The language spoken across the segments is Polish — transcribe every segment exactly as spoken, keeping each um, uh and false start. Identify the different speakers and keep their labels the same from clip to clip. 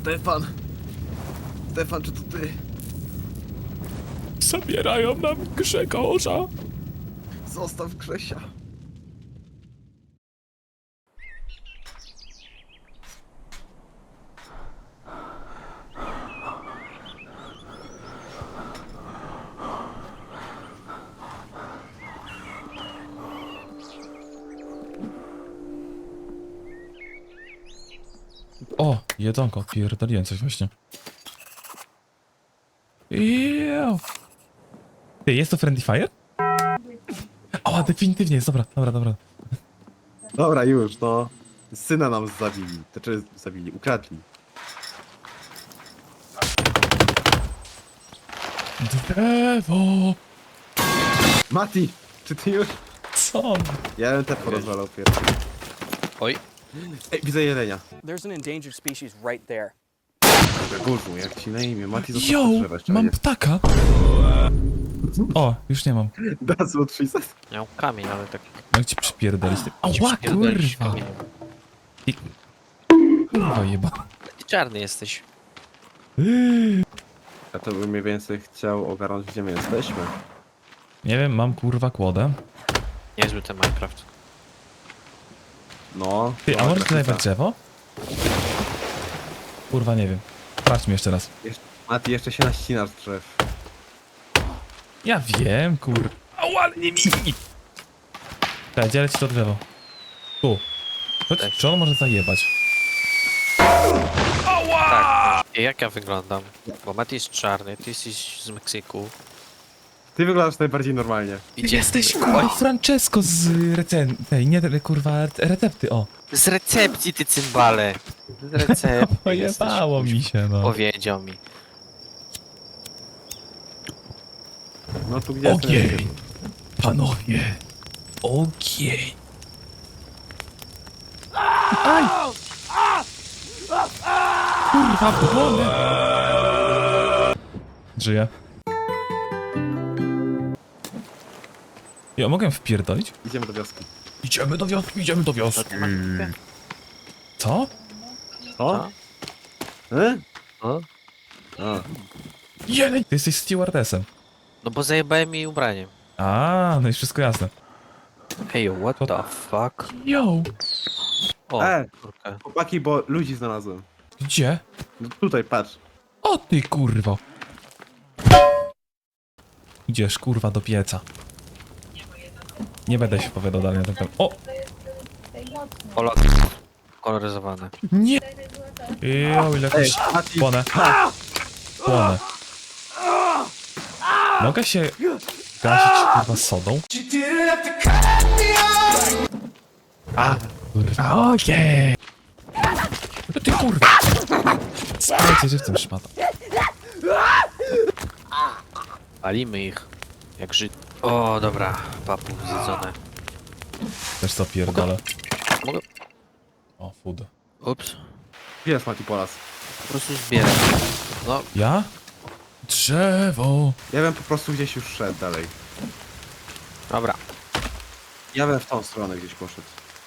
Speaker 1: Stefan! Stefan, czy to ty?
Speaker 2: Zabierają nam Grzegorza.
Speaker 1: Zostaw Grzesia.
Speaker 2: O, jedzonko, pierdoliłem coś właśnie. Jeeeew. Ty, jest to Friendly Fire? O, definitywnie jest, dobra, dobra, dobra.
Speaker 1: Dobra, już, no. Syna nam zabili. Znaczy, zabili, ukradli.
Speaker 2: Drewo!
Speaker 1: Mati! Czy ty już?
Speaker 2: Co?
Speaker 1: Ja bym te porozwalał pierwszy.
Speaker 3: Oj.
Speaker 1: Ej, widzę jelenia.
Speaker 4: There's an endangered species right there.
Speaker 1: Gurzu, jak ci na imię? Mati został
Speaker 2: Yo,
Speaker 1: drzewa jeszcze.
Speaker 2: mam ptaka. O, już nie mam.
Speaker 1: That's what she said.
Speaker 3: Miał kamień, ale tak...
Speaker 2: Jak ci przypierdolić? Ała,
Speaker 3: przypierdolisz
Speaker 2: kurwa.
Speaker 3: kamieniem.
Speaker 2: I... Kurwa jeba.
Speaker 3: Ty czarny jesteś.
Speaker 1: Ja to bym mniej więcej chciał ogarnąć, gdzie my jesteśmy.
Speaker 2: Nie wiem, mam kurwa kłodę.
Speaker 3: Niezły ten Minecraft.
Speaker 1: No.
Speaker 2: Ty, a
Speaker 1: no,
Speaker 2: może tutaj
Speaker 1: grafika.
Speaker 2: drzewo? Kurwa, nie wiem. Sprawdźmy jeszcze raz.
Speaker 1: Jeszcze, Mati, jeszcze się naścinasz z drzew.
Speaker 2: Ja wiem, kur... Ała, ale nie mi! Tak, dzielę ci to drzewo. Tu. Chodź,
Speaker 3: Tak.
Speaker 2: czy on może zajebać?
Speaker 3: Tak. I jak ja wyglądam? Bo Mati jest czarny, ty jesteś z Meksyku.
Speaker 1: Ty wyglądasz najbardziej normalnie.
Speaker 3: Idzie
Speaker 2: Jesteś kurwa Francesco z recen... tej, nie, kurwa, recepty, o.
Speaker 3: Z recepcji, ty cymbale. Z recepcji.
Speaker 2: Pojebało mi się, no.
Speaker 3: Powiedział mi.
Speaker 1: No tu gdzie jest ten
Speaker 2: Ogień! Panowie! Ogień! Aj! Kurwa, płonę! Żyję. Ja mogę wpierdolić?
Speaker 1: Idziemy do wioski.
Speaker 2: Idziemy do wioski, idziemy do wioski.
Speaker 3: To nie ma nigdy.
Speaker 2: Co?
Speaker 1: Co? E?
Speaker 3: O?
Speaker 1: A.
Speaker 2: Jeleń! Ty jesteś stewardessem.
Speaker 3: No bo zajebałem mi ubraniem.
Speaker 2: A, no i wszystko jasne.
Speaker 3: Hey, what
Speaker 2: To-
Speaker 3: the fuck?
Speaker 2: Yo!
Speaker 3: O,
Speaker 1: E.
Speaker 3: kurka.
Speaker 1: Chłopaki, bo ludzi znalazłem.
Speaker 2: Gdzie?
Speaker 1: No tutaj, patrz.
Speaker 2: O ty kurwo! Idziesz kurwa do pieca. Nie będę się opowiadał dalej na ten temat. O!
Speaker 3: Polo... Koloryzowane.
Speaker 2: Nie! Jo, ile
Speaker 1: Ej,
Speaker 2: jakoś...
Speaker 1: Mati.
Speaker 2: Płonę. Płonę. Mogę się gasić kurwa sodą? A, kurwa, okej! No ty kurwa! Spajcie żywcem szmata.
Speaker 3: Palimy ich. Jak Żyd. O, dobra. Papu zjedzone.
Speaker 2: Też co pierdolę.
Speaker 3: Mogę...
Speaker 2: O, food.
Speaker 3: Ups.
Speaker 1: Gdzie jest Mati Polas?
Speaker 3: Po prostu zbieram. No,
Speaker 2: Ja? Drzewo!
Speaker 1: Ja bym po prostu gdzieś już szedł dalej.
Speaker 3: dobra.
Speaker 1: Ja bym w tą stronę gdzieś poszedł.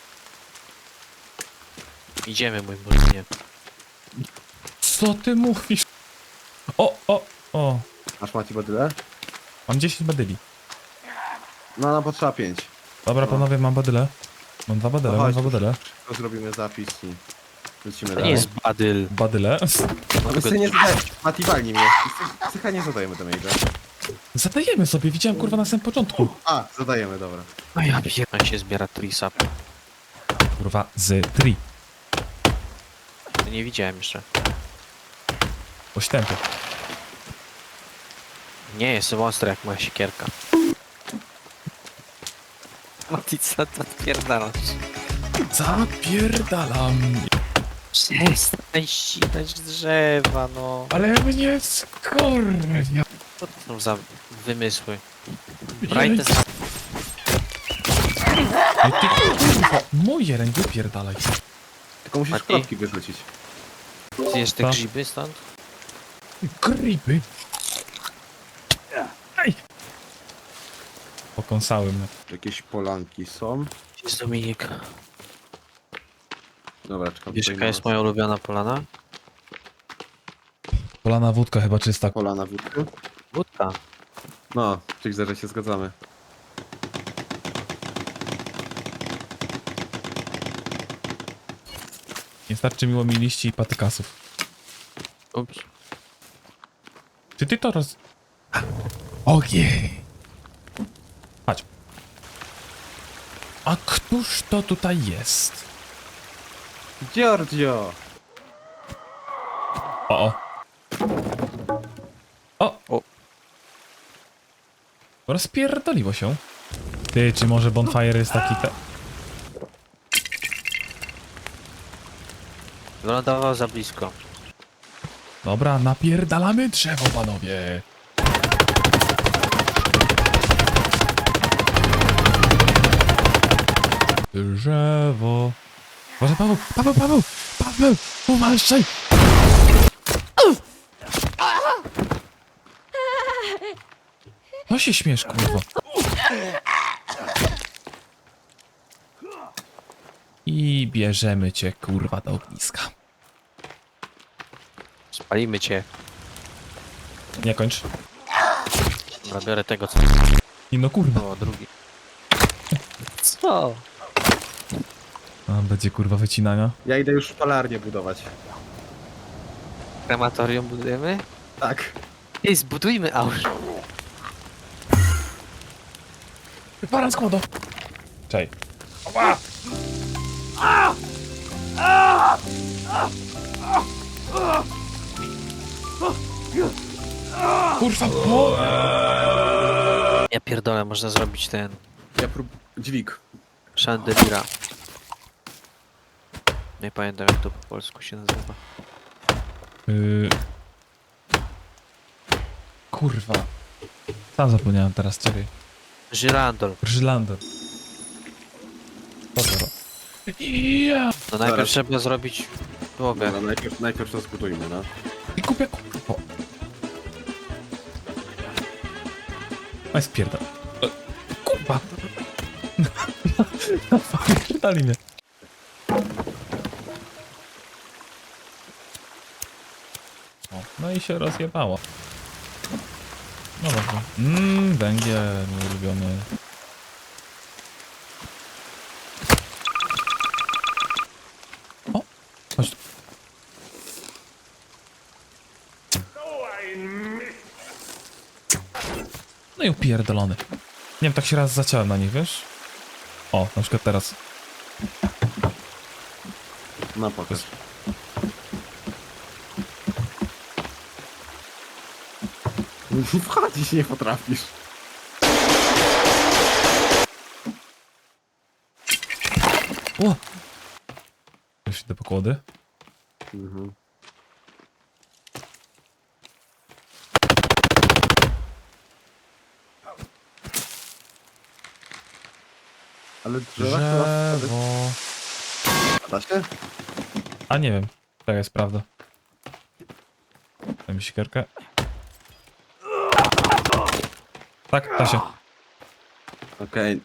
Speaker 3: Idziemy, mój muzynie.
Speaker 2: Co ty mówisz? O, o, o.
Speaker 1: Masz Mati badyle?
Speaker 2: Mam dziesięć badyli.
Speaker 1: No, nam potrzeba pięć.
Speaker 2: Dobra, panowie, mam badyle. Mam dwa badyle,
Speaker 1: No
Speaker 2: mam
Speaker 1: chodź,
Speaker 2: dwa badyle.
Speaker 1: To zrobimy zapis i lecimy
Speaker 3: To
Speaker 1: dalej.
Speaker 3: nie jest badyl.
Speaker 2: Badyle?
Speaker 1: No my sobie nie zadajemy. Mati, walnij mnie. Psycha nie zadajemy damage'a.
Speaker 2: Zadajemy sobie, widziałem kurwa na samym początku.
Speaker 1: A, zadajemy, dobra.
Speaker 3: A ja pierdolę się zbiera trisap.
Speaker 2: Kurwa, z tri.
Speaker 3: To nie widziałem jeszcze.
Speaker 2: Ośtępy.
Speaker 3: Nie, jestem ostry jak moja siekierka. Mati, co to odpierdalasz?
Speaker 2: Zapierdalam.
Speaker 3: Przestań ścinać drzewa, no.
Speaker 2: Ale mnie skurwia.
Speaker 3: Co to są za wymysły? Brajte za...
Speaker 2: Ej, ty kurwa, moje ręce wypierdalaj.
Speaker 1: Tylko musisz
Speaker 3: Mati?
Speaker 1: kropki wyrzucić.
Speaker 3: Zjesz te
Speaker 2: Co?
Speaker 3: grzyby stąd?
Speaker 2: Gripy. Ej. Pokąsały mnie.
Speaker 1: Jakieś polanki są.
Speaker 3: Jest Dominik.
Speaker 1: Dobra, czekam.
Speaker 3: Wiesz
Speaker 1: tutaj
Speaker 3: jaka
Speaker 1: na
Speaker 3: jest
Speaker 1: was.
Speaker 3: moja ulubiona polana?
Speaker 2: Polana wódka chyba czysta.
Speaker 1: Pola na wódkę.
Speaker 3: Wódka.
Speaker 1: No, czyli że się zgadzamy.
Speaker 2: Nie starczy miło mi liści i patykasów.
Speaker 3: Ups.
Speaker 2: Czy ty to roz... Ogień! Chodź. A któż to tutaj jest?
Speaker 1: Giorgio!
Speaker 2: O, o. O!
Speaker 3: O.
Speaker 2: Rozpierdoliło się. Ty, czy może bonfire jest taki te...
Speaker 3: Wylądował za blisko.
Speaker 2: Dobra, napierdalamy drzewo, panowie. Drzewo. Może Paweł, Paweł, Paweł, Paweł, uważaj. No się śmiesz, kurwa. I bierzemy cię, kurwa, do ogniska.
Speaker 3: Spalimy cię.
Speaker 2: Nie kończ.
Speaker 3: Dobra, biorę tego co...
Speaker 2: I no kurwa.
Speaker 3: O, drugi. Co?
Speaker 2: A, będzie kurwa wycinania.
Speaker 1: Ja idę już szpalarnię budować.
Speaker 3: Krematorium budujemy?
Speaker 1: Tak.
Speaker 3: Ej, zbudujmy aż.
Speaker 2: Paran skłodo. Czej. Kurwa, bo...
Speaker 3: Ja pierdolę, można zrobić ten...
Speaker 1: Ja prób... dźwig.
Speaker 3: Chandeliera. Nie pamiętam jak to po polsku się nazywa.
Speaker 2: Yy... Kurwa. Sam zapomniałem teraz, czekaj.
Speaker 3: Żyrandol.
Speaker 2: Brzylander. Dobra. Ja.
Speaker 3: No najpierw
Speaker 1: Zaraz.
Speaker 3: trzeba zrobić podłogę.
Speaker 1: Dobra, najpierw, najpierw to zbudujmy, no.
Speaker 2: I kupię kurwa. Oj, spierdol. E, Kurwa. Pierdali mnie. O, no i się rozjebało. No dobrze. Mmm, węgiel, mój ulubiony. O, chodź tu. No i upierdolony. Nie wiem, tak się raz zaciąłem na nich, wiesz? O, na przykład teraz.
Speaker 1: No pokaż. Wchodzić nie potrafisz.
Speaker 2: O! Już idę po kłody.
Speaker 1: Mhm. Ale drzewa chyba...
Speaker 2: Drzewo.
Speaker 1: Da się?
Speaker 2: A nie wiem. Tak jest prawda. Daj mi siekierkę. Tak, da się.
Speaker 1: Okej.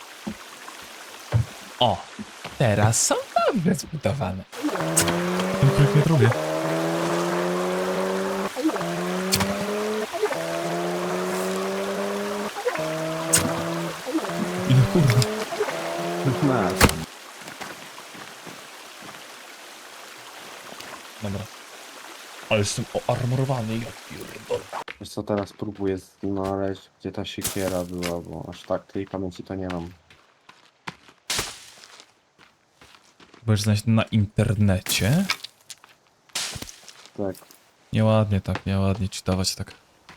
Speaker 2: O! Teraz są dobrze zbudowane. Ten królik mnie trubie. Ile kurwa.
Speaker 1: Masz.
Speaker 2: Dobra. Ale jestem oarmorowany, ja pierdolę.
Speaker 1: Wiesz co, teraz próbuję znaleźć, gdzie ta siekiera była, bo aż tak tej pamięci to nie mam.
Speaker 2: Będziesz znaleźć na internecie?
Speaker 1: Tak.
Speaker 2: Nieładnie tak, nieładnie czytować tak.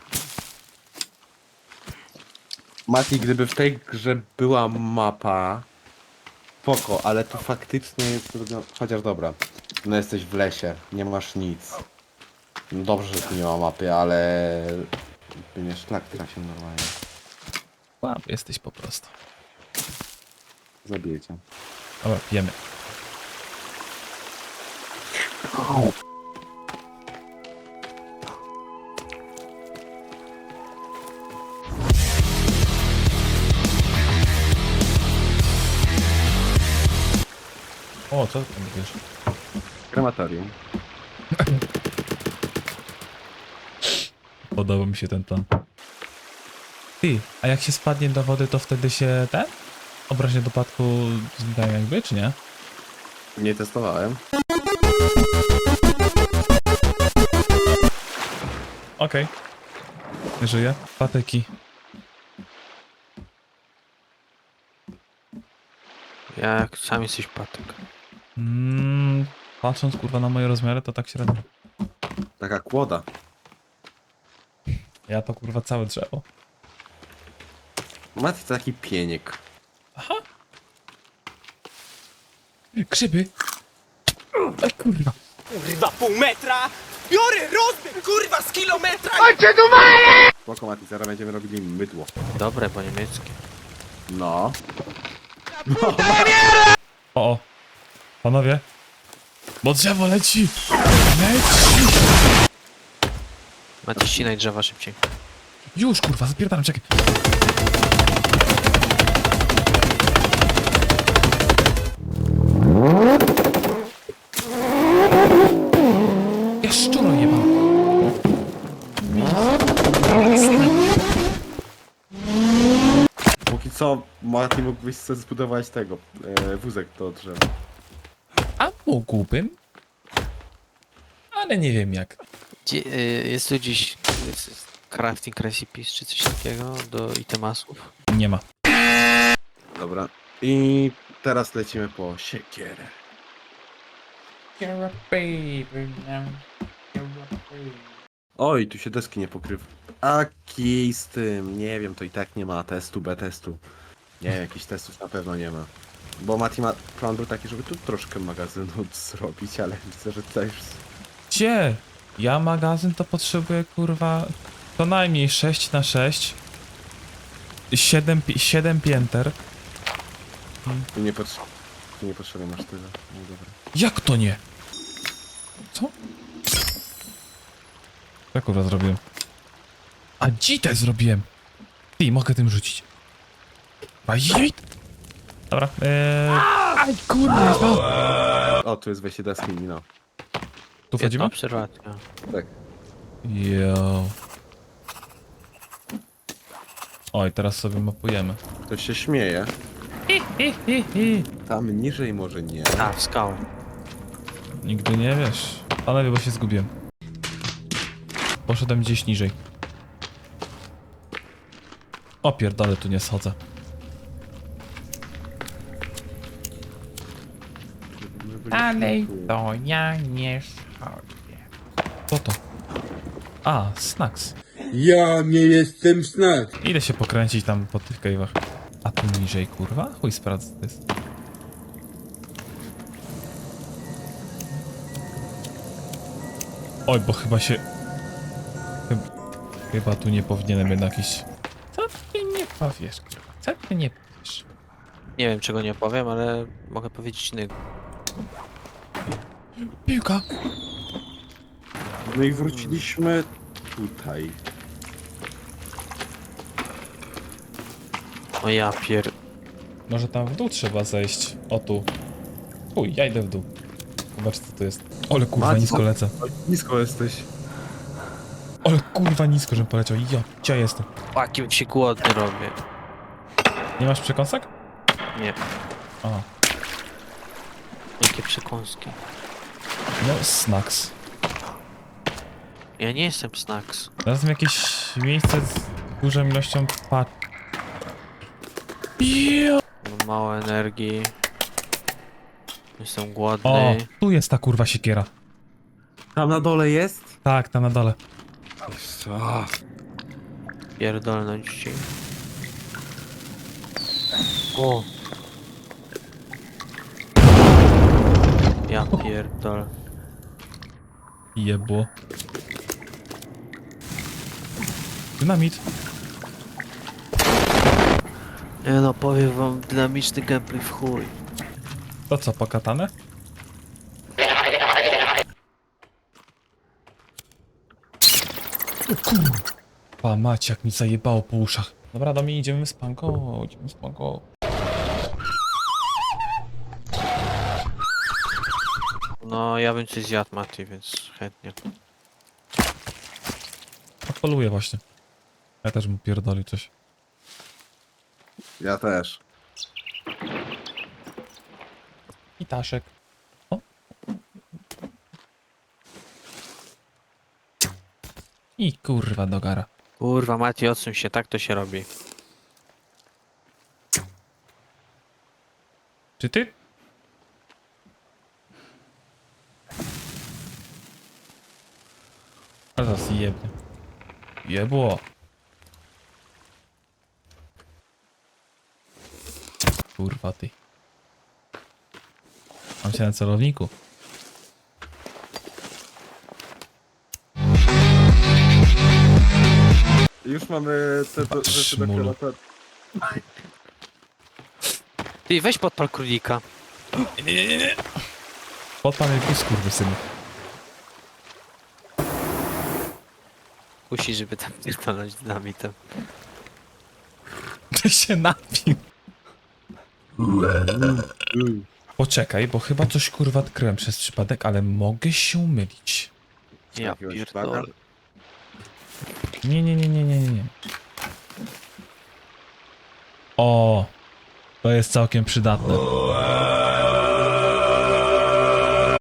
Speaker 1: Mati, gdyby w tej grze była mapa, spoko, ale tu faktycznie jest zrobione... Chociaż dobra, no jesteś w lesie, nie masz nic. No dobrze, że tu nie ma mapy, ale... Nie szlak trafił normalnie.
Speaker 2: Łap, jesteś po prostu.
Speaker 1: Zabiję cię.
Speaker 2: Dobra, pijemy. O, co ty tam wiesz?
Speaker 1: Krematorium.
Speaker 2: Podoba mi się ten plan. Ty, a jak się spadnie do wody, to wtedy się ten? Obraźnie dopadku znikają jakby, czy nie?
Speaker 1: Nie testowałem.
Speaker 2: Okej. Nie żyję. Patyki.
Speaker 3: Jak sam jesteś patyk.
Speaker 2: Mm, patrząc kurwa na moje rozmiary, to tak średnio.
Speaker 1: Taka kłoda.
Speaker 2: Ja to kurwa całe drzewo.
Speaker 1: Mati to taki pieniek.
Speaker 2: Grzyby! A kurwa.
Speaker 4: Kurwa, pół metra! Biorę rozbieg, kurwa, z kilometra!
Speaker 1: Spoko Mati, zaraz będziemy robili mydło.
Speaker 3: Dobre, bo niemieckie.
Speaker 1: No.
Speaker 2: O, o. Panowie. Bo drzewo leci! Leci!
Speaker 3: Macie ścinaj drzewa szybciej.
Speaker 2: Już kurwa, zapierdalam, czekaj. Ja szczuro jebam.
Speaker 1: Póki co Mati mógłbyś sobie zbudować tego, e, wózek do drzewa.
Speaker 2: A mógłbym? Ale nie wiem jak.
Speaker 3: Gdzie, y, jest tu gdzieś jest, jest crafting recipes czy coś takiego do itemasów?
Speaker 2: Nie ma.
Speaker 1: Dobra. I teraz lecimy po siekierę. Oj, tu się deski nie pokrywa. A kij z tym, nie wiem, to i tak nie ma testu, B testu. Nie, jakichś testów na pewno nie ma. Bo Mati ma plan był taki, żeby tu troszkę magazynu zrobić, ale widzę, że tutaj już...
Speaker 2: Gdzie? Ja magazyn to potrzebuję kurwa co najmniej sześć na sześć. siedem, pi- siedem pięter.
Speaker 1: Tu nie, potrze... tu nie potrzebny masz tyle. No dobra.
Speaker 2: Jak to nie? Co? Jak kurwa zrobiłem? A dzitę zrobiłem! Ty, mogę tym rzucić. Bajit! Dobra, eee... Aj, kurwa!
Speaker 1: O, tu jest wejście deski, no.
Speaker 2: Tu wchodzimy?
Speaker 3: Jedna obserwacja.
Speaker 1: Tak.
Speaker 2: Jo. Oj, teraz sobie mapujemy.
Speaker 1: Ktoś się śmieje.
Speaker 2: Hi, hi, hi, hi.
Speaker 1: Tam niżej może nie.
Speaker 3: A, w skałę.
Speaker 2: Nigdy nie wiesz. Panowie, bo się zgubiłem. Poszedłem gdzieś niżej. O pierdolę, tu nie schodzę. Dalej to ja nie schodzę. Co to? A, snacks.
Speaker 5: Ja nie jestem snack.
Speaker 2: Idę się pokręcić tam po tych cave'ach. A tu niżej, kurwa? Chuj sprawdź, co to jest. Oj, bo chyba się... Chyba, chyba tu nie powinienem jednak iść. Co ty nie powiesz, kurwa? Co ty nie powiesz?
Speaker 3: Nie wiem czego nie powiem, ale mogę powiedzieć innego.
Speaker 2: Piłka!
Speaker 1: No i wróciliśmy tutaj.
Speaker 3: O ja pier...
Speaker 2: Może tam w dół trzeba zejść. O tu. Uj, ja idę w dół. Zobacz co to jest. Ole kurwa,
Speaker 1: Macie-
Speaker 2: nisko lecę.
Speaker 1: Oj, nisko jesteś.
Speaker 2: Ole kurwa, nisko, żebym poleciał. Ja, gdzie ja jestem?
Speaker 3: Jakim się głodny robię.
Speaker 2: Nie masz przekąsek?
Speaker 3: Nie,
Speaker 2: A,
Speaker 3: jakie przekąski.
Speaker 2: no snacks.
Speaker 3: Ja nie jestem snacks.
Speaker 2: Znalazłem jakieś miejsce z dużą ilością pat... Jo!
Speaker 3: Mam mało energii. Jestem
Speaker 2: O,
Speaker 3: głodny.
Speaker 2: tu jest ta kurwa siekiera.
Speaker 1: Tam na dole jest?
Speaker 2: Tak, tam na dole.
Speaker 1: Co?
Speaker 3: Pierdolnąć ci. O! Ja pierdol.
Speaker 2: Jebło. Dynamit.
Speaker 3: Nie no, powiem wam, dynamiczny gameplay w chuj.
Speaker 2: To co, pokatane? O kurwa, mać, jak mi zajebało po uszach. Dobra, do mnie idziemy z panko, idziemy z panko.
Speaker 3: No, ja bym coś zjadł, Mati, więc chętnie.
Speaker 2: Poluję właśnie. Ja też mu pierdoli coś.
Speaker 1: Ja też.
Speaker 2: I Taszek. O. I kurwa dogara.
Speaker 3: Kurwa, Mati, odsuń się, tak to się robi.
Speaker 2: Czy ty? A zaraz jebnie. Jebło. Kurwa ty. Mam się na celowniku.
Speaker 1: Już mamy te do, rzeczy do
Speaker 2: Szmulu.
Speaker 1: kwiatu.
Speaker 3: Ty, weź podpal królika.
Speaker 2: Nie, nie, nie, nie. Podpal jakiś skurwysynu.
Speaker 3: Kusi, żeby tam nie stanąć dynamitem.
Speaker 2: Ty się napił. Poczekaj, bo chyba coś kurwa odkryłem przez przypadek, ale mogę się mylić.
Speaker 3: Ja
Speaker 1: Jakiegoś
Speaker 3: pierdolę.
Speaker 1: flaga?
Speaker 2: Nie, nie, nie, nie, nie, nie. O, to jest całkiem przydatne.